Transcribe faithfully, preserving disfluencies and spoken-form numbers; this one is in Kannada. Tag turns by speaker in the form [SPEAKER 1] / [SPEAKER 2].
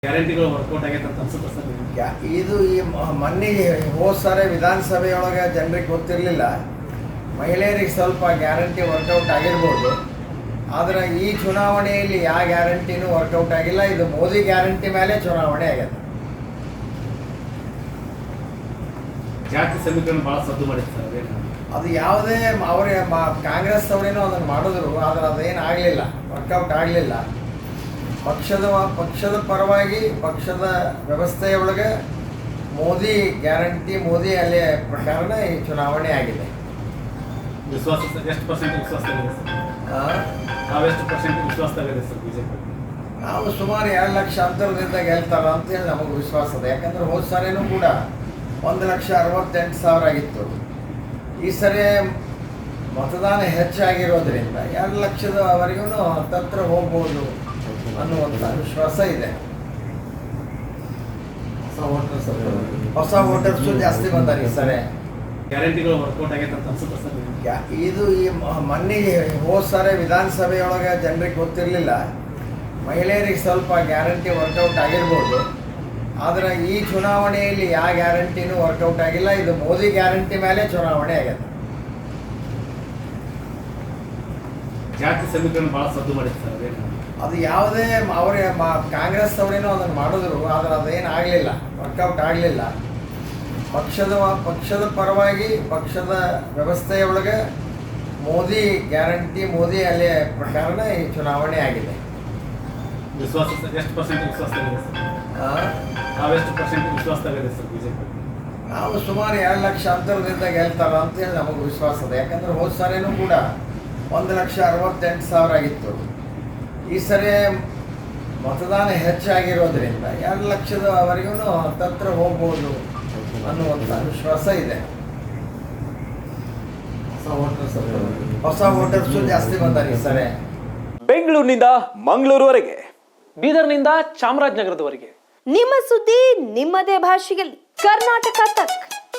[SPEAKER 1] ಗ್ಯಾರಂಟಿಗಳು ವರ್ಕೌಟ್ ಆಗೈತೆ ಅಂತ ಅನ್ಸುತ್ತೆ ಸರ್ ನಿಮ್ಗೆ?
[SPEAKER 2] ಯಾ- ಇದು ಈ ಮ- ಮೊನ್ನೆ ಹೋದ ಸಾರಿ ವಿಧಾನಸಭೆಯೊಳಗೆ ಜನರಿಗೆ ಗೊತ್ತಿರಲಿಲ್ಲ. ಮಹಿಳೆಯರಿಗೆ ಸ್ವಲ್ಪ ಗ್ಯಾರಂಟಿ ವರ್ಕೌಟ್ ಆಗಿರ್ಬೋದು, ಆದರೆ ಈ ಚುನಾವಣೆಯಲ್ಲಿ ಯಾವ ಗ್ಯಾರಂಟಿನೂ ವರ್ಕೌಟ್ ಆಗಿಲ್ಲ. ಇದು ಮೋದಿ ಗ್ಯಾರಂಟಿ ಮೇಲೆ ಚುನಾವಣೆ ಆಗಿದೆ.
[SPEAKER 1] ಜಾತಿ ಸಮೀಕರಣ ಭಾಳ ಸದ್ದು ಮಾಡಿತ್ತು ಸರ್, ಅದೇನು
[SPEAKER 2] ಅದು ಯಾವುದೇ ಅವರೇ ಕಾಂಗ್ರೆಸ್ ಅವರೇನೋ ಅದನ್ನು ಮಾಡಿದ್ರು, ಆದರೆ ಅದೇನು ಆಗಲಿಲ್ಲ, ವರ್ಕೌಟ್ ಆಗಲಿಲ್ಲ. ಪಕ್ಷದ ಪಕ್ಷದ ಪರವಾಗಿ ಪಕ್ಷದ ವ್ಯವಸ್ಥೆಯೊಳಗೆ ಮೋದಿ ಗ್ಯಾರಂಟಿ, ಮೋದಿ ಅಲೆ ಪ್ರಕಾರನೇ ಈ ಚುನಾವಣೆ ಆಗಿದೆ.
[SPEAKER 1] ವಿಶ್ವಾಸ ಸರ್ ಎಷ್ಟು ಪರ್ಸೆಂಟ್ ವಿಶ್ವಾಸದಾಗಿದೆ ಸರ್?
[SPEAKER 2] ಆ,
[SPEAKER 1] ನಾವೆಷ್ಟು ಪರ್ಸೆಂಟ್ ವಿಶ್ವಾಸದಾಗಿದೆ ಸರ್ ಬಿಜೆಪಿ?
[SPEAKER 2] ನಾವು ಸುಮಾರು ಎರಡು ಲಕ್ಷ ಅಂತರದಿಂದ ಗೆಲ್ತಾರ ಅಂತೇಳಿ ನಮಗೆ ವಿಶ್ವಾಸ ಇದೆ. ಯಾಕಂದ್ರೆ ಹೋದ ಸಾರಿನೂ ಕೂಡ ಒಂದು ಲಕ್ಷ ಅರವತ್ತೆಂಟು ಸಾವಿರ ಆಗಿತ್ತು. ಈ ಸರಿ ಮತದಾನ ಹೆಚ್ಚಾಗಿರೋದ್ರಿಂದ ಎರಡು ಲಕ್ಷದವರೆಗೂ ಹತ್ತತ್ರ ಹೋಗ್ಬೋದು ಅನ್ನುವಂಥ ವಿಶ್ವಾಸ ಇದೆ. ಹೊಸ ವೋಟರ್ಸು ಜಾಸ್ತಿ ಬಂದಾರೆ ಈ ಸರಿ.
[SPEAKER 1] ಗ್ಯಾರಂಟಿಗಳು ವರ್ಕೌಟ್ ಆಗೈತೆ ಅಂತ ಅನ್ಸುತ್ತೆ ಸರ್ ನಿಮ್ಗೆ?
[SPEAKER 2] ಯಾ- ಇದು ಈ ಮ- ಮೊನ್ನೆ ಹೋದ ಸಾರಿ ವಿಧಾನಸಭೆಯೊಳಗೆ ಜನರಿಗೆ ಗೊತ್ತಿರಲಿಲ್ಲ. ಮಹಿಳೆಯರಿಗೆ ಸ್ವಲ್ಪ ಗ್ಯಾರಂಟಿ ವರ್ಕೌಟ್ ಆಗಿರ್ಬೋದು, ಆದರೆ ಈ ಚುನಾವಣೆಯಲ್ಲಿ ಯಾವ ಗ್ಯಾರಂಟಿನೂ ವರ್ಕೌಟ್ ಆಗಿಲ್ಲ. ಇದು ಮೋದಿ ಗ್ಯಾರಂಟಿ ಮೇಲೆ ಚುನಾವಣೆ ಆಗಿದೆ.
[SPEAKER 1] ಜಾತಿ ಸಮೀಕರಣ ಭಾಳ ಸದ್ದು ಮಾಡಿತ್ತು ಸರ್, ಅದೇನು
[SPEAKER 2] ಅದು ಯಾವುದೇ ಅವರೇ ಕಾಂಗ್ರೆಸ್ ಅವರೇನೋ ಅದನ್ನು ಮಾಡಿದ್ರು, ಆದರೆ ಅದೇನು ಆಗಲಿಲ್ಲ, ವರ್ಕೌಟ್ ಆಗಲಿಲ್ಲ. ಪಕ್ಷದ ಪಕ್ಷದ ಪರವಾಗಿ ಪಕ್ಷದ ವ್ಯವಸ್ಥೆಯೊಳಗೆ ಮೋದಿ ಗ್ಯಾರಂಟಿ, ಮೋದಿ ಅಲೆ ಪ್ರಕಾರನೇ ಈ ಚುನಾವಣೆ ಆಗಿದೆ.
[SPEAKER 1] ವಿಶ್ವಾಸ ಸರ್ ಎಷ್ಟು ಪರ್ಸೆಂಟ್ ವಿಶ್ವಾಸದಾಗಿದೆ ಸರ್?
[SPEAKER 2] ಆ,
[SPEAKER 1] ನಾವೆಷ್ಟು ಪರ್ಸೆಂಟ್ ವಿಶ್ವಾಸದಾಗಿದೆ ಸರ್ ಬಿಜೆಪಿ?
[SPEAKER 2] ನಾವು ಸುಮಾರು ಎರಡು ಲಕ್ಷ ಅಂತರದಿಂದ ಗೆಲ್ತಾರ ಅಂತೇಳಿ ನಮಗೆ ವಿಶ್ವಾಸ ಇದೆ. ಯಾಕಂದ್ರೆ ಹೋದ ಸಾರಿನೂ ಕೂಡ ಒಂದು ಲಕ್ಷ ಅರವತ್ತೆಂಟು ಸಾವಿರ ಆಗಿತ್ತು. ಈ ಸರಿ ಮತದಾನ ಹೆಚ್ಚಾಗಿರೋದ್ರಿಂದ ಎರಡು ಲಕ್ಷದವರೆಗೂ ಹತ್ತತ್ರ ಹೋಗ್ಬೋದು ಅನ್ನುವಂಥ ವಿಶ್ವಾಸ ಇದೆ. ಹೊಸ ವೋಟರ್ಸು ಜಾಸ್ತಿ ಬಂದಾರೆ ಈ ಸರಿ.
[SPEAKER 3] ಬೆಂಗಳೂರಿನಿಂದ ಮಂಗಳೂರುವರೆಗೆ, ಬೀದರ್ನಿಂದ ಚಾಮರಾಜನಗರದವರೆಗೆ
[SPEAKER 4] ನಿಮ್ಮ ಸುದ್ದಿ ನಿಮ್ಮದೇ ಭಾಷೆಯಲ್ಲಿ ಕರ್ನಾಟಕ ತಕ್.